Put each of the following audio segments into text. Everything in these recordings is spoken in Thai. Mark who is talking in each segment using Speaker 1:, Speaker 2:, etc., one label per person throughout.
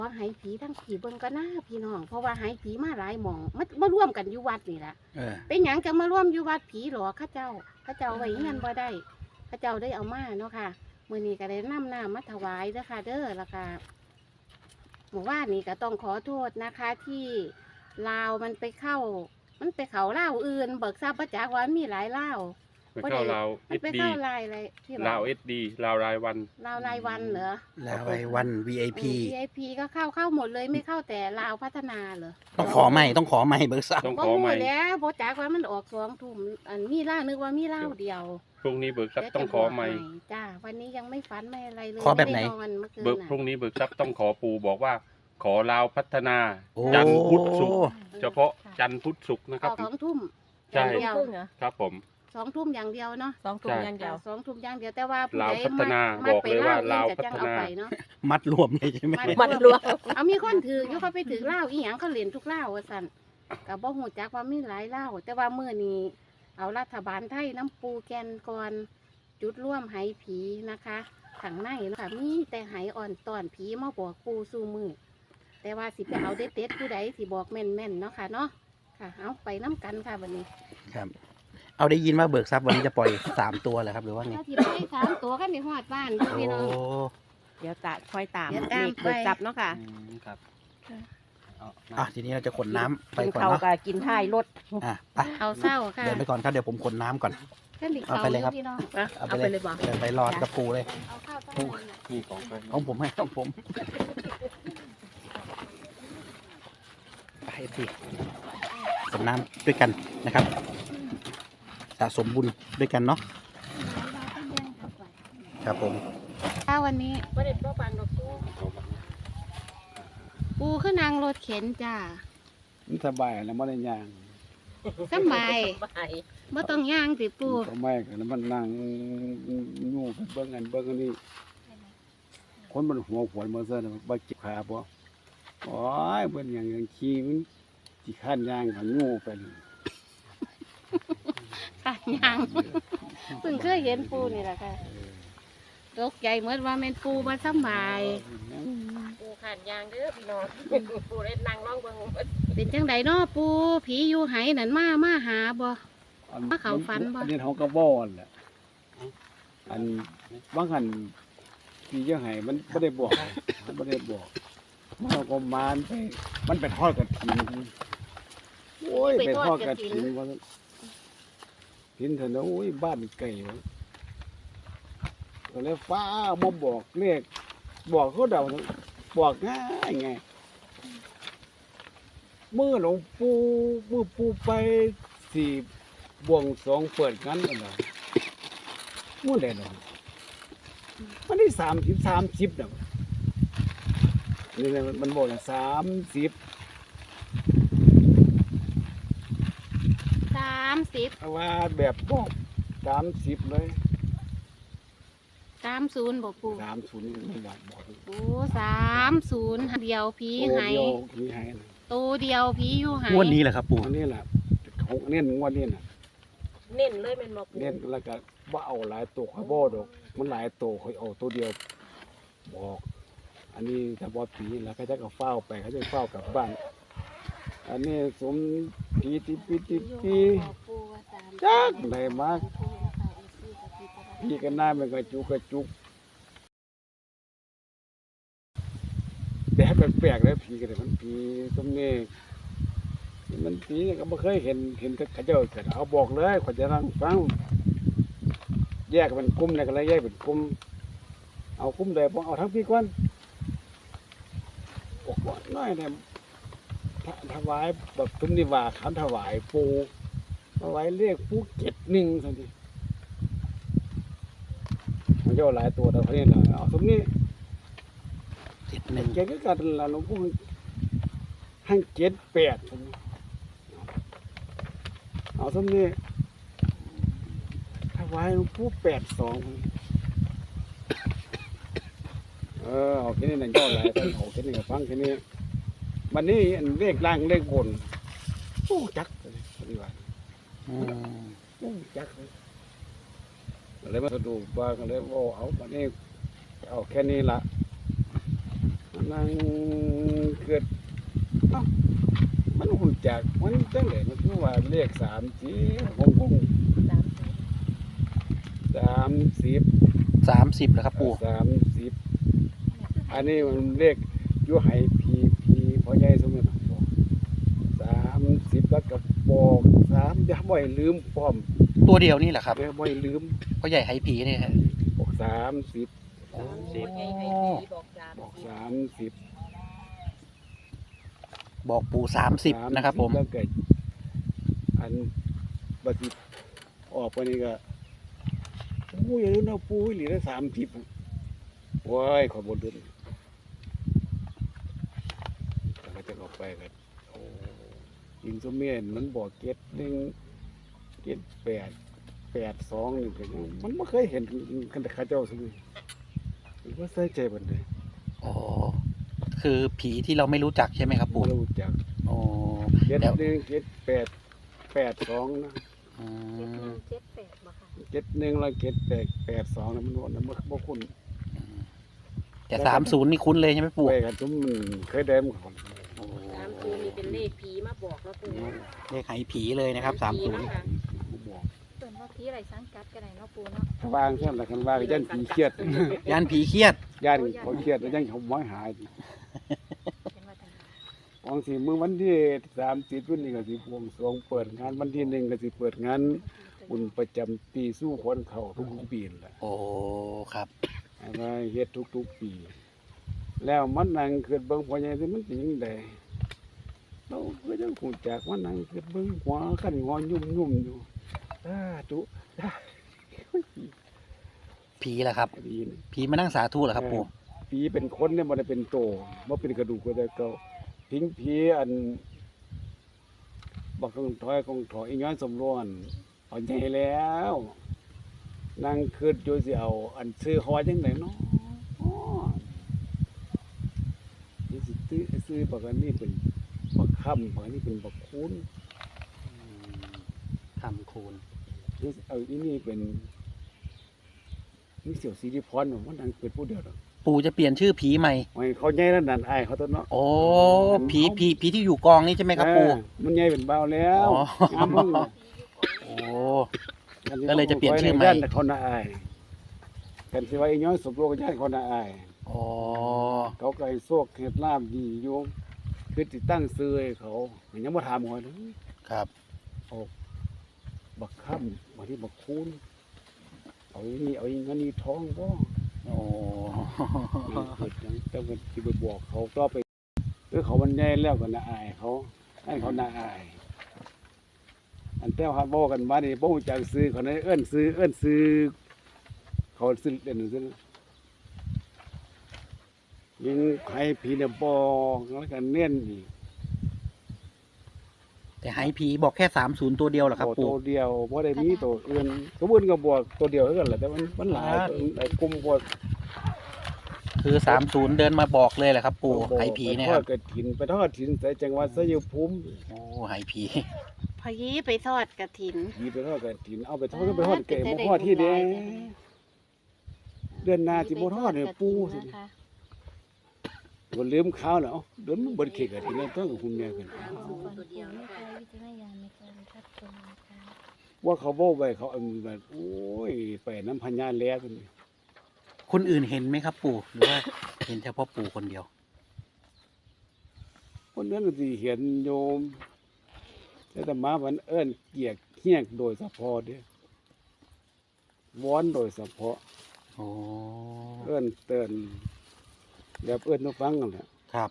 Speaker 1: ว่าหายผีทั้งผีเบิ่งก็น่าพี่น้องเพราะว่าหายผีมาหลายหม่องมาร่วมกันอยู่วัดนี่แหละเป็นหยังจะมาร่วมอยู่วัดผีหรอข้าเจ้าไว้เงินบ่ได้ข้าเจ้าได้เอามาเนาะค่ะมื้อนี้ก็ได้นำน้ำมาถวายเด้อค่ะเด้อแล้วก็หมู่บ้านนี้ก็ต้องขอโทษนะคะที่ลาวมันไปเข้าลาวอื่นเบิกทราบประจักษ์ว่ามีหลายลาว
Speaker 2: ไปเข้าลาว
Speaker 1: ไป
Speaker 2: SD
Speaker 1: เข้าลายอะไรที่
Speaker 2: ลาว SD ลาวรายวัน
Speaker 1: ลาวรายวันเหรอ
Speaker 3: ลาวรายวัน VIP
Speaker 1: VIP ก็เข้าหมดเลยไม่เข้าแต่ลาวพัฒนาเหรอ
Speaker 3: ต้องขอใหม่เบิกทรัพย์
Speaker 2: ต้อง
Speaker 1: บ่
Speaker 2: ขอใหม่
Speaker 1: รู้แล้วบ่จักว่ามันออก2 ทุ่มอันมีล่านึกว่ามีเล่าเดียว
Speaker 2: พรุ่งนี้เบิกทรัพย์ต้องขอใหม่
Speaker 1: จ้าวันนี้ยังไม่ฝันไม่อะไรเลย
Speaker 3: ขอแบบไหน
Speaker 1: ม่ด้นเมื่อคืน
Speaker 2: เบิก
Speaker 1: น่ะ
Speaker 2: พรุ่งนี้เบิกทรัพย์ต้องขอปู่บอกว่า ขอลาวพัฒนา
Speaker 3: โอ้
Speaker 2: จันทร์พุธศุกร์เฉพาะจันทร์พุธศุกร์นะค
Speaker 1: อ
Speaker 2: รับ
Speaker 1: อก2 ทุ่ม
Speaker 2: ใช่
Speaker 1: อย่างเดียว
Speaker 2: ครับผม
Speaker 1: 2 ทุ่มอย่างเดียวเนาะ
Speaker 4: 2 ทุ่มอย่างเดียว
Speaker 1: 2 ทุ่มอย่างเดียวแต่ว่าผู้
Speaker 2: ลาว
Speaker 1: ใด
Speaker 2: พัฒนา
Speaker 1: มั
Speaker 2: บอกเลยว่าลาว
Speaker 1: จะจัง
Speaker 2: พัฒ
Speaker 1: เอา
Speaker 2: นา
Speaker 1: ไปเนาะ
Speaker 3: มัดรวมเลยใช่ไหม
Speaker 4: มันรวม
Speaker 1: เอามีคนถืออยู่เขาไปถือเหล้าอีหยังเขาเล่นทุกเหล้าว่าซั่นก็บ่ฮู้จักว่ามีหลายเหล้าแต่ว่ามื้อนี้เอารัฐบาลไทยน้ำปูแกนก่อนจุดร่วมไหผีนะคะข้างในเนาะค่ะมีแต่ไหอ่อนตอนผีมาบอกปูสู่มือแต่ว่าสิไปเอาเด็ดๆผู้ใดสิบอกแม่นๆเนาะค่ะเนาะค่ะเอาไปน้ำกันค่ะวันนี้
Speaker 3: ครับ เอาได้ยินว่าเบิกทรัพย์วันนี้จะปล่อย3 ตัวเหรอครับหรือว่าไง
Speaker 1: ถ้าสิไป3 ตัวกันในหอดบ้านอยู่
Speaker 3: โอ้
Speaker 1: พี่น้อง
Speaker 4: เดี๋ยวคอยตาม
Speaker 1: เดี๋ยวตาม
Speaker 4: เลขเบิก
Speaker 1: ไป
Speaker 4: ทรัพย์เนาะค่ะ
Speaker 2: ครับ
Speaker 3: อ่ะทีนี้เราจะขนน้ำไป
Speaker 4: กิน
Speaker 3: ก่อน
Speaker 4: ข้าว
Speaker 3: เนาะ
Speaker 4: กับกินท้ายรถ
Speaker 3: อ่ะไป
Speaker 1: เอาเศร้าค่ะ
Speaker 3: เดินไปก่อนครับเดี๋ยวผมขนน้ำก่อน
Speaker 1: ขึ้นอีก
Speaker 3: เอา
Speaker 1: เสา
Speaker 3: ไปเลยครับ
Speaker 1: พี่น้อง
Speaker 4: นะเอาไปเลยบ่
Speaker 3: เดินไปรอกับปูเลย
Speaker 1: เอาข้าวตั้งใจน่ะ
Speaker 2: นี่ของไป
Speaker 3: ของผมให้ของผมไปสิขนน้ำด้วยกันนะครับสะสมบุญด้วยกันเนาะครับผม
Speaker 1: ถ้าวันนี้
Speaker 4: บ่ได้บ่ฟังดอกกู
Speaker 1: ปูขึ้นนางรถเข็นจ้า
Speaker 5: มันสบายแล้วมันได้ย่าง
Speaker 1: สบาย
Speaker 4: บ่ให้
Speaker 1: บ่ต้องย่างสิปู
Speaker 5: ก็ไม่กันแล้วมันนั่งอยู่ไปเบิ่งอันนี้คนมันหัวขวนมาซะแล้วบ่เจ็บขาบ่โอ้ยเบิ่นอย่างขี้มันสิคันย่างกันงูไปเลย
Speaker 1: ค่ะย่างเพิ่งเคยเห็นปูนี่แหละค่ะตกใจเหมือนว่าแม่นปูบ่สบาย
Speaker 4: ปูขานยางเด้อพี่น้องปูได้นั่งร้องเบิ่ง
Speaker 1: เป็นจังไดเนาะปูผีอยู่ไหนั่นมาหาบ่ มาเข้าฝันบ่
Speaker 5: อันนี้เขาก็บ่อนแหละอันบางหันที่ยังไห้มันบ่ได้บอกมันบ่ได้บอกมันก็มานไปมันไปทอดกระถิ่นโอ้ยไปทอดกระถิ่นว่าถิ่นเถอะนะโอ้ยบ้านไก่วะก็เลยฟ้าบ่บอกเลขบอกเขาเดาบอกง่ายไงเมื่อหลวงปู่เมื่อปู่ไปสี่บวงสรวงเปิดกันกันเหรอเมื่อไหร่เนาะมันได้30เนาะนี่แหละมันบอกนะ30
Speaker 1: 30
Speaker 5: เอาว่าแบบบอก30เลย
Speaker 1: 30บ่ปู
Speaker 5: 30นี่มันบอก
Speaker 1: โอ้30เดียวผีไห
Speaker 5: โอ้เดียวมีให้นะ
Speaker 1: ตัวเดียวผีอยู่ไห
Speaker 3: งวดนี้แหละครับปู
Speaker 5: อันนี้แหละของเน้นงวดนี้น่ะ
Speaker 4: เน้นเลยแม่นบ่ปู
Speaker 5: เน้นแล้วก็บ่เอาหลายตัวเขาบ่ดอกมันหลายตัวเขาเอาตัวเดียวบอก อันนี้ถ้าบ่ผีแล้วเขาจะก็เฝ้าไปเขาจะเฝ้ากลับบ้าน อันนี้สมผีติจักไหนมากพี่กันหน้ามันกระจุกแต่ให้แปลกๆเลยผีกันเลยมันผีสมนี่มันผีเนี่ยก็ไม่เคยเห็นเขาเจ้าเกิดเอาบอกเลยขอจะนั่งฟังแยกเป็นกลุ่มเนี่ยก็เลยแยกเป็นกลุ่มเอากลุ่มใดพอเอาทั้งพี่ก่อนบอกว่าน้อยเนี่ยถวายแบบตุ้มนิว่าขันถวายปูถวายเรียกปู71สันทีมันจะหลายตัวแต่พอนี้เราเอาตรงนี้
Speaker 3: 71
Speaker 5: แกก็กัดละหลวงปู่ให้78เอาตรงนี้ถวายหลวงปู่82เอาแค่นี้นั่นก็หลายแต่เอาแค่นี้ก็ฟังแค่นี้วันนี้เลขล่างเลขบนโอ้จักเลยดีกว่า
Speaker 3: อืม
Speaker 5: โอ้จักเลยเลยมาสะดุดว่าก็เลยโอ้เอาวันนี้เอาแค่นี้ละนั่งเกิดเอ้ามันหุ่นจากมันจังไดมันคือว่าเลข3จีคง 30
Speaker 3: 30แล้วครับปู่
Speaker 5: 30อันนี้มันเลขอยู่ให้พีพ่อใหญ่สมมุติบอก30แล้วก็บอก3อย่าบ่ให้ลืมพร้อม
Speaker 3: ตัวเดียวนี่แหละครับ
Speaker 5: บ่ให้ลืม
Speaker 3: พ่อใหญ่ไหผีนี่ฮะ
Speaker 5: บอก30
Speaker 4: ไงให้ผีบอกสาม
Speaker 5: บอก30
Speaker 3: บอกปู่30นะครับผม
Speaker 5: แล้วก็อันบัดนี้ออกไปนี่ก็ปูอย่าลืมนะปูอีหลีได้30ว้ายขอบนเดือนแต่ก็จะออกไปกันโอ้ยิงสมเมียนมันบอก7 1 7 8 8 2นี่ก็ยังมันไม่เคยเห็นกันแต่ข้าเจ้าสมุยมันก็ใส่ใจบันเลย
Speaker 3: อ๋อคือผีที่เราไม่รู้จักใช่ไหมครับปู่
Speaker 5: เราจาก
Speaker 3: อ๋อ
Speaker 5: 7
Speaker 3: แล้ว
Speaker 5: 1 7 8 8 2นะ
Speaker 3: อืม
Speaker 4: 78บ่ค่ะ
Speaker 5: 7 1แล้ว7 8 8 2นะมันวนนะมันบ่คุ้น
Speaker 3: แต่30นี่คุ้นเลยใช่ไหมปู่
Speaker 5: ไปกันทุมมันเคยได้มันของ
Speaker 4: 30นี่เป็นเลขผีมาบอกแล้วปู่
Speaker 3: เลขไหผีเลยนะครับ30
Speaker 5: บอก
Speaker 6: เปิดว่าผีอะไรสังกัดกันไหนเนาะปูเนาะ
Speaker 5: ถ้าวางเท่านั้นคันว่าก็ยันผีเครียด
Speaker 3: ย่านผีเครียด
Speaker 5: ยันเขาเครียดแล้วยังเขาหมอยหาย
Speaker 6: เป็นว่าจังได๋
Speaker 5: ของสิมื้อวันที่30วันนี้ก็สิบวงสรวงเปิดงานวันที่1ก็สิเปิดงานบุญประจำปีสู้คนเขาทุกปีนั่นแหละ
Speaker 3: โอ้ครับ
Speaker 5: ให้มาเฮ็ดทุกปี แล้วมันนั่งเกิดเบิ่งพ่อใหญ่สิมันเป็นจังได๋เราก็ยังคงจากว่านั่งเกิดเบิ่งหัวคันงอยุ่มๆอยู่ตุ
Speaker 3: ผีแหละครับ
Speaker 5: ดีนะ
Speaker 3: ผีมานั่งสาธุเหรอครับปู่
Speaker 5: ผีเป็นคนเนี่ยมันเป็นโตมันเป็นกระดูกก็ได้เก่าทิ้งผีอันบักกองถอยอีย้อนสมรวนเอาใหญ่แล้วนั่งคืดอยู่สิเอาอันซื้อหอจังไหนเนาะนี่สิซื้อบักอันนี้เป็นบักค่ำบักอันนี้เป็นบักคูน
Speaker 3: ทำคูณ
Speaker 5: นี่เอาอีนี่เป็นนี่เสี่ยวสีริพรมันนั่งเป็นผู้เดียวดอก
Speaker 3: ปู่จะเปลี่ยนชื่อผีใหม่
Speaker 5: ไม่เขาใหญ่แล้วนั่นอายเขาตัวเนาะ
Speaker 3: โอ้ผีที่อยู่กองนี่ใช่ไหมครับปู่
Speaker 5: มันใหญ่เป็นเบาแล้ว
Speaker 3: อ๋อ
Speaker 5: งามมึง
Speaker 3: โอ้ ก็เลยจะเปลี่ยนชื่อใหม่
Speaker 5: ย่านคนน่าอายกันสิว่าอีน้อยสมรู้กับย่านคนน่าอาย
Speaker 3: อ๋อ
Speaker 5: เขาก็ให้โซกเฮ็ดลาบดีอยู่คือติตั้งซื้อให้เขายังบ่ถามหัวนะครับ บักค่ำบางทีบักคูนเอาอีนี่เอาอีงั้นนี่ท้องบ่
Speaker 3: โอ้
Speaker 5: เกิดหยังแต่ว่าสิไปบอกเขาต่อไปเขามันใหญ่แล้วก็น่าอายเขาให้เขาน่าอาย อันแต่ว่าบอกกันมานี่บ่รู้จักซื้อเขาได้เอิ้นซื้อเขาซื้อเด่นซื้อยิงให้ผีเนี่ยบอกแล้วก็เน้นอีก
Speaker 3: แต่ไหผีบอกแค่30ตัวเดียวเหรอครับ
Speaker 5: โอ้
Speaker 3: ปู่
Speaker 5: ตัวเดียวบ่ได้มีตัวอื่นตัวอื่นก็บอกตัวเดียวเท่านั้นแหละแต่มันหลายหลายกลุ่มบ่
Speaker 3: คือ30เดินมาบอกเลยแหละครับ ปู่ไหผีเนี่ยครับ
Speaker 5: ไปทอดกฐินใส่จังหวัดชัยภูมิ
Speaker 3: โอ้ไหผี
Speaker 1: พอยีไปทอดกระถิน
Speaker 5: ผีไปทอดกฐินเอาไปทอดก็ไปทอดเก๋บ่ทอดที่เด้เดือนหน้าสิบ่ทอดเนี่ยปู่สิ
Speaker 1: นะคะ
Speaker 5: บ่ลืมข้าวแล้วเดินมันเบิดเค้กกฐินแล้วต้องกับคุณแม่กัน
Speaker 4: ตัวเดียว
Speaker 6: ไม่
Speaker 4: นะ
Speaker 6: เค
Speaker 4: คะ
Speaker 6: ยวิจารณญาณในการรับชมนะคะ
Speaker 5: ว่าเขาบอกไว้เขาเอาแบบโอ้ยไปน้ำพญาแล้วกัน
Speaker 3: คนอื่นเห็นไหมครับ ปู่หรือว่าเห็นเฉพาะปู่คนเดียว
Speaker 5: คนนั้นสิเห็นโยมแต่ธรรมาวันเอิ้นเกียกเฮียกโดยเฉพาะเด้วอนโดยเฉพาะ
Speaker 3: โอ้
Speaker 5: เอิ้นเตือนแบบเอิ้นมาฟังกันแหละ
Speaker 3: ครับ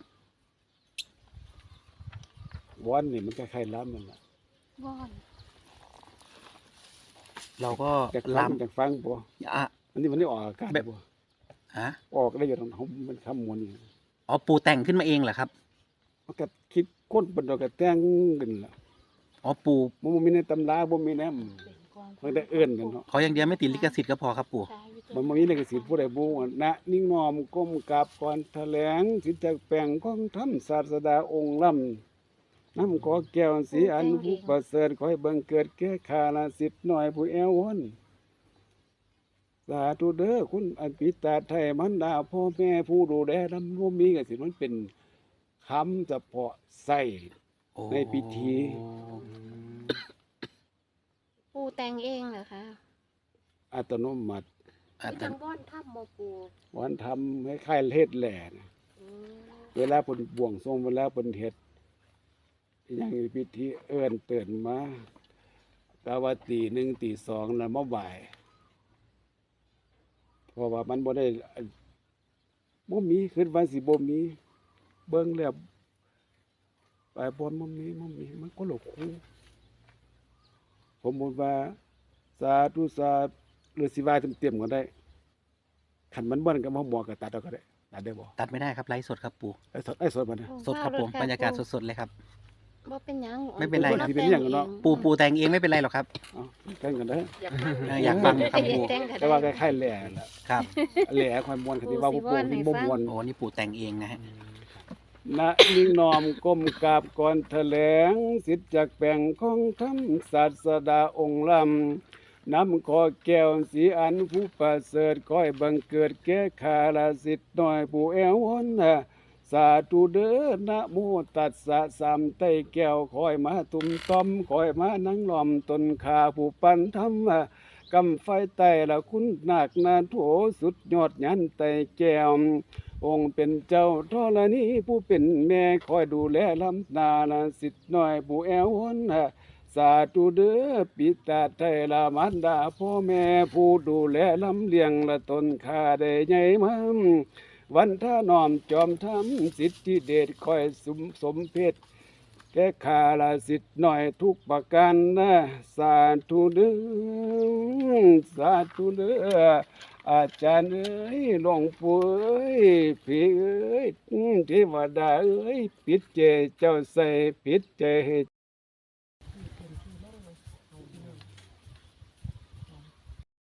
Speaker 5: วอนนี่มันคล้ายๆล้ำนั่นแหละ
Speaker 1: ว่อน
Speaker 3: เราก็
Speaker 5: จาก
Speaker 3: ล้
Speaker 5: ล้ำจากฟังบ่
Speaker 3: ำอ่ะ
Speaker 5: อันนี้มันได้ออกอากาศ
Speaker 3: แบบ
Speaker 5: บ่
Speaker 3: ฮะ
Speaker 5: ออกได้อยู่ตรงเขามันคำมวลนี่
Speaker 3: อ๋อปู่แต่งขึ้นมาเองเหรอครับ
Speaker 5: มันก็คิดคนเป็นดอกกระแตงกันล่ะ
Speaker 3: อ๋อปู่
Speaker 5: บ่มีในตำราบ่มีแนมมันได้เอิ้นกันเนาะ
Speaker 3: ขออย่างเดียวไม่ติดลิขสิทธิ์ก็พอครับปู่
Speaker 5: มันบ่มีลิขสิทธิ์ผู้ใดบ่ว่าณนิ่งนอมก้มกราบก่อนแถลงสิทธิ์จากแปลงของธรรมศาสดาองค์ล้ำน้ำขอแก้วสีอันผู้ประเสริฐขอให้บังเกิดแก่ข้าราสิทธิ์น้อยผู้แอววนสาธุเด้อคุณอันปิตาไทยมันดาพ่อแม่ผู้ดูแลนำร่วมมีกันสิมันเป็นคำเฉพาะใส่
Speaker 3: โอ้
Speaker 5: ในพิธี
Speaker 1: ปูแต่งเองเหรอคะ
Speaker 5: อัตโนมัติ
Speaker 3: อ่ะ
Speaker 1: ที่
Speaker 3: แต่
Speaker 1: ทางบ้านถ้ำโมปู
Speaker 5: วันทำให้ค่ายเลดแหล่นะ
Speaker 1: อืม
Speaker 5: เวลาเพิ่นบวงทรงเวลาเพิ่นเฮ็ดอย่างพิธีเอิ้นเตือนมากะว่าตีหนึ่งตีสองแล้วมาบ่ายเพราะว่ามันบ่ได้บ่มีคิดว่าสิบ่มีเบิ่งแล้วไปบ่บ่มีมันก็หลอกคู่ผมบอกว่าสาธุสาธุหรือสิว่าเต็มๆก็ได้คันมันบ่นก็มาบอกก็ตัดเอาก็ได้ตัดได้บ่
Speaker 3: ตัดไม่ได้ครับไลฟ์สดครับปู่
Speaker 5: ไอ้สดมันนะ
Speaker 3: สดครับผมบรรยากาศสดๆเลยครับ
Speaker 1: บ่เป็นหยัง
Speaker 3: ไม่เป็นไร
Speaker 1: ปู
Speaker 3: ครับ
Speaker 5: สิเป็นหยังเนาะ
Speaker 3: ปู่แต่งเองไม่เป็นไรหรอกครับ
Speaker 5: เอากันกันเด้อ
Speaker 4: อยากฟัง
Speaker 3: อยากฟังครับปู่
Speaker 1: แต่งก็
Speaker 5: แต่
Speaker 1: ได้
Speaker 5: ว่าคล้ายๆแหล่ล่ะ
Speaker 3: ครับ
Speaker 5: แหล่ความมวลคติว่าผู้ปกที่บ่มวล
Speaker 3: โอ้นี่ปู่แต่งเองนะฮะ
Speaker 5: ณนิ่งนอมก้มกราบก่อนแถลงสิทธิ์จากแปลงของธรรมศาสดาองค์ลำน้ำขอแก้วสีอันผู้ประเสริฐก้อยบังเกิดแก่ข้าราสิทธิ์น้อยผู้แอววนสาธุเด้อนะโมตัสสะสามไต้แก้วคอยมาตุ่มต้อมคอยมานั่งล้อมตนขาผู้ปันธรรมกำไฟไต่ละคุณนาคนาโถสุดยอดยันไต่แก้วองค์เป็นเจ้าธรณีผู้เป็นแม่คอยดูแลลำนาละสิทธิ์น้อยผู้แอววนสาธุเด้อปิตาไทยละมารดาพ่อแม่ผู้ดูแลลำเลียงละตนข้าได้ใหญ่มามวันท่านอมจอมทำสิทธิเดชคอยสมเพชแก่ข้าละสิทธิ์น้อยทุกประการนะสาธุเด้อสาธุเด้ออาจารย์เอ้ยหลวงปู่เอ้ยพี่เอ้ยเทวดาเอ้ยปิดเจเจ้าใส่ปิดเจ